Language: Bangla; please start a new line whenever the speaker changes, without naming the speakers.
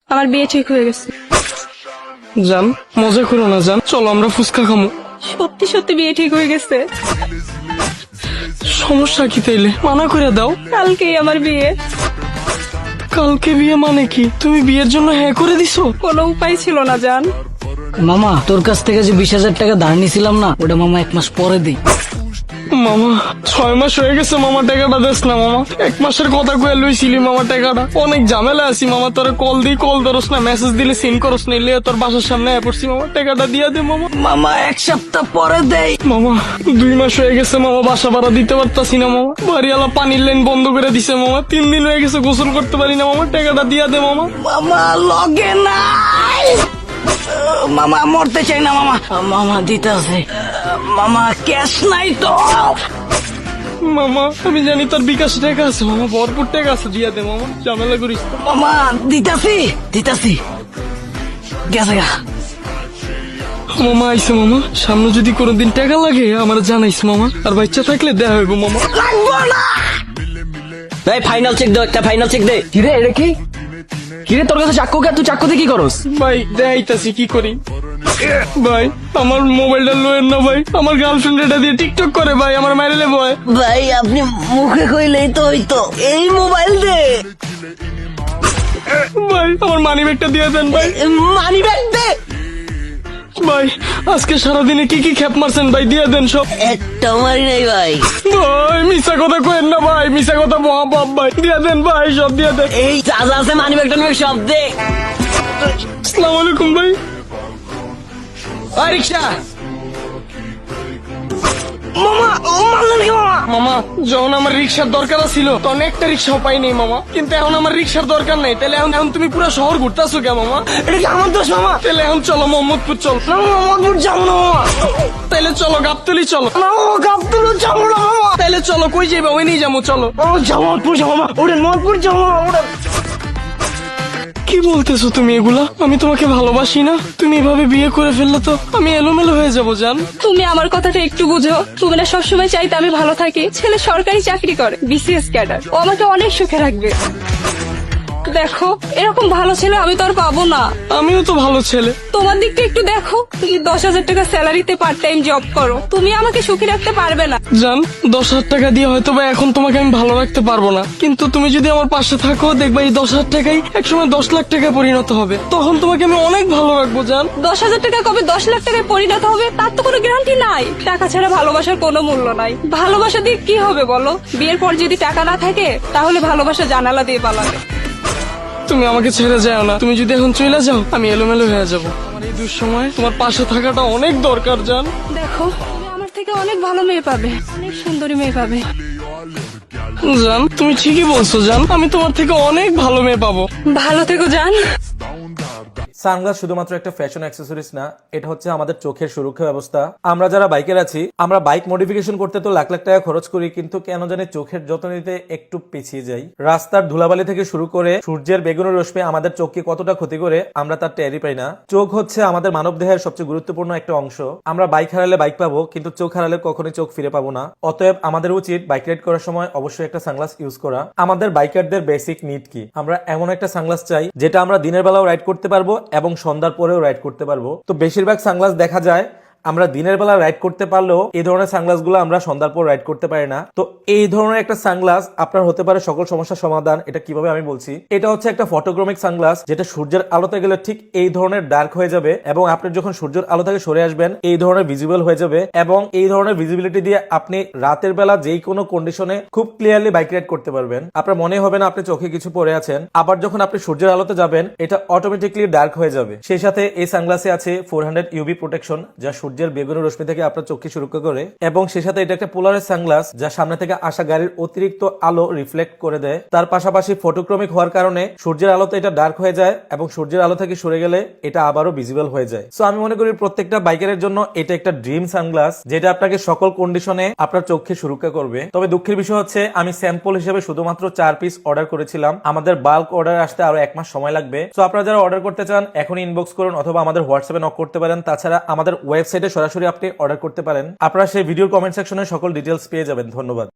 আমার বিয়ে ঠিক হয়ে গেছে।
জান মজা করো না জান, চলো আমরা ফুচকা খামো।
সত্যি সত্যি বিয়ে ঠিক হয়ে গেছে।
সমস্যা কি তাইলে? মানা করে দাও।
কালকেই আমার বিয়ে।
কালকে বিয়ে মানে কি? তুমি বিয়ের জন্য হ্যাঁ করে দিছো?
কোনো উপায় ছিল না জান।
মামা তোর কাছ থেকে যে 20,000 টাকা ধার নিছিলাম না, ওটা মামা 1 মাস পরে দিই।
মামা 6 মাস হয়ে গেছে মামা, টাকাটা দেস না মামা। 1 মাসের কথা কয়ে লইছিলি মামা টাকাটা। অনেক ঝামেলা আছি মামা, তোরে কল দিই কল ধরস না, মেসেজ দিলে সিন করস না, লিয়ে তোর বাসার সামনে আয় পড়ছি মামা, টাকাটা দিয়া দে মামা।
মামা 1 সপ্তাহ পরে দেই।
মামা 2 মাস হয়ে গেছে মামা, বাসা ভাড়া দিতে পারতাছি না মামা, বাড়িওয়ালা পানির লাইন বন্ধ করে দিছে মামা, 3 দিন হয়ে গেছে গোসল করতে পারি না মামা, টাকাটা দিয়া দে মামা।
মামা লগে নাই। মামা মরতে চাই না মামা। মামা দিতে আছে মামা, ক্যাশ নাই তো।
মামা আমি জানি তোর বিকাশ টাকা আছে মামা, ভরপুর টাকা আছে, দিয়া দে মামা, ঝামেলা করিস না।
মামা দিতাছি গেছে গা।
মামা আইসে মামা, সামনে যদি কোনোদিন টাকা লাগে আমার জানাইস মামা, আর বাচ্চা থাকলে দেয়া হইব মামা।
লাগবো না।
এই ফাইনাল চেক দে, একটা ফাইনাল চেক দে।
কিরে এটা কি? কিরে তোর কাছে চাক্কু কে? তুই চাক্কুতে কি করস?
ভাই দেখাইতাছি কি করি। ভাই আমার মোবাইলটা লোয়েন না ভাই, আমার গার্লফ্রেন্ড এটা দিয়ে টিকটক করে ভাই, আমার মাইরেলে ভয়।
ভাই আপনি মুখে কইলেই তো হইতো, এই মোবাইল দে।
ভাই আমার মানি ব্যাগটা দিয়ে দেন ভাই।
মানি ব্যাগ দে।
ভাই আজকে সারাদিনে কি কি খ্যাপ মারছেন ভাই, দিয়ে দেন সব।
একটা মারি নাই ভাই।
ভাই মিশা কথা কইেন না ভাই, মিশা কথা মহাপাপ ভাই, দিয়ে দেন ভাই, সব দিয়ে দেন।
এই যা যা আছে মানি ব্যাগটা নিয়ে সব দে।
আসসালামু আলাইকুম ভাই।
ওই রিকশা।
মামা ও মারলেন কি মামা? মামা যখন আমার রিক্সার দরকার ছিল তখন একটা রিক্সাও পাই নাই মামা, কিন্তু এখন আমার রিক্সার দরকার নাই, তাহলে এখন তুমি পুরো শহর ঘুরতেছো কে মামা? এটা কি আমার দোষ মামা? তাহলে এখন চলো মোহাম্মদপুর চল। না মোহাম্মদপুর যাবো না মামা। তাহলে চলো গাবতলি চলো। না গাবতলি যাবো না মামা। তাহলে চলো কই যাইবা? ওই নিয়ে যাবো চলো। ও জামালপুর যাবো মামা, ওরে মোহাম্মদপুর যাবো ওরে। কি বলতেছো তুমি এগুলা? আমি তোমাকে ভালোবাসি না, তুমি এভাবে বিয়ে করে ফেললে তো আমি এলোমেলো হয়ে যাবো জান।
তুমি আমার কথাটা একটু বুঝো। তুমি না সবসময় চাইতে আমি ভালো থাকি। ছেলে সরকারি চাকরি করে, BCS ক্যাডার, ও আমাকে অনেক সুখে রাখবে। দেখো এরকম ভালো ছেলে আমি তো আর পাবো না।
আমিও তো ভালো ছেলে।
তোমার দিকটা একটু দেখো। তুমি 10,000 টাকা স্যালারিতে পার্ট টাইম জব করো, তুমি আমাকে সুখী রাখতে পারবে না।
জান 10,000 টাকা দিয়ে হয়তো বা এখন তোমাকে আমি ভালো রাখতে পারবো না, কিন্তু তুমি যদি আমার পাশে থাকো দেখবা এই 10,000 টাকাই একসময় 10 লাখ টাকায় পরিণত হবে, তখন তোমাকে আমি অনেক ভালো রাখবো জান।
10,000 টাকা কবে 10 লাখ টাকায় পরিণত হবে তার তো কোনো গ্যারান্টি নাই। টাকা ছাড়া ভালোবাসার কোনো মূল্য নাই। ভালোবাসা দিয়ে কি হবে বলো? বিয়ের পর যদি টাকা না থাকে তাহলে ভালোবাসা জানালা দিয়ে পালাবে।
তুমি আমাকে ছেড়ে যাও না, তুমি যদি এখন চলে যাও আমি এলোমেলো হয়ে যাবো। আমার এই দুঃসময় তোমার পাশে থাকাটা অনেক দরকার জান।
দেখো তুমি আমার থেকে অনেক ভালো মেয়ে পাবে, অনেক সুন্দরী মেয়ে পাবে।
জান তুমি ঠিকই বলছো জান, আমি তোমার থেকে অনেক ভালো মেয়ে পাবো।
ভালো থেকো জান।
সানগ্লাস শুধুমাত্র একটা ফ্যাশন অ্যাক্সেসরিজ না, এটা হচ্ছে আমাদের চোখের সুরক্ষা ব্যবস্থা। আমরা যারা বাইকের আছি, আমরা বাইক মডিফিকেশন করতে তো লাখ লাখ টাকা খরচ করি, কিন্তু কেন জানি চোখের যত্ন নিতে একটু পিছিয়ে যাই। রাস্তার ধুলাবালি থেকে শুরু করে সূর্যের বেগুনি রশ্মি আমাদের চোখকে কতটা ক্ষতি করে আমরা তার টেরই পাই না। চোখ হচ্ছে আমাদের মানব দেহের সবচেয়ে গুরুত্বপূর্ণ একটা অংশ। আমরা বাইক হারালে বাইক পাবো, কিন্তু চোখ হারালে কখনোই চোখ ফিরে পাবো না। অতএব আমাদের উচিত বাইক রাইড করার সময় অবশ্যই একটা সানগ্লাস ইউজ করা। আমাদের বাইকারদের বেসিক নিড কি? আমরা এমন একটা সানগ্লাস চাই যেটা আমরা দিনের বেলাও রাইড করতে পারবো এবং সন্ধ্যার পরেও রাইড করতে পারবো। তো বেশিরভাগ সানগ্লাস দেখা যায় আমরা দিনের বেলা রাইড করতে পারলেও এই ধরনের সানগ্লাস গুলো আমরা সন্ধ্যার পর রাইড করতে পারি না। তো এই ধরনের একটা সানগ্লাস আপনার হতে পারে সকল সমস্যার সমাধান। এটা কিভাবে আমি বলছি, এটা হচ্ছে একটা ফটোক্রোমিক সানগ্লাস, যেটা সূর্যের আলোতে গেলে ঠিক এই ধরনের ডার্ক হয়ে যাবে, এবং আপনি যখন সূর্যের আলো থেকে সরে আসবেন এই ধরনের ভিজিবল হয়ে যাবে, এবং এই ধরনের ভিজিবিলিটি দিয়ে আপনি রাতের বেলা যেই কোনো কন্ডিশনে খুব ক্লিয়ারলি বাইক রাইড করতে পারবেন। আপনার মনে হবে না আপনি চোখে কিছু পরে আছেন। আবার যখন আপনি সূর্যের আলোতে যাবেন এটা অটোমেটিকলি ডার্ক হয়ে যাবে। সেই সাথে এই সানগ্লাসে আছে 400 UV প্রোটেকশন, যা সূর্যের বেগুনি রশ্মি থেকে আপনার চোখকে সুরক্ষা করে, এবং সেই সাথে এটা একটা পোলারের সানগ্লাস, যা সামনে থেকে আসা গাড়ির অতিরিক্ত আলো রিফ্লেক্ট করে দেয়। তার পাশাপাশি ফটোক্রমিক হওয়ার কারণে সূর্যের আলোতে এটা ডার্ক হয়ে যায়, এবং সূর্যের আলো থেকে সরে গেলে এটা আবারও ভিজিবল হয়ে যায়। সো আমি মনে করি প্রত্যেকটা বাইকারের জন্য এটা একটা ড্রিম সানগ্লাস, যেটা আপনাকে সকল কন্ডিশনে আপনার চোখকে সুরক্ষা করবে। তবে দুঃখের বিষয় হচ্ছে আমি স্যাম্পল হিসেবে শুধুমাত্র 4 পিস অর্ডার করেছিলাম। আমাদের বাল্ক অর্ডার আসতে আরো 1 মাস সময় লাগবে। সো আপনারা যারা অর্ডার করতে চান এখনই ইনবক্স করুন, অথবা আমাদের হোয়াটসঅ্যাপে নক করতে পারেন। তাছাড়া আমাদের ওয়েবসাইটে সরাসরি আপনি অর্ডার করতে পারেন। আপনারা সেই ভিডিওর কমেন্ট সেকশনে সকল ডিটেলস পেয়ে যাবেন। ধন্যবাদ।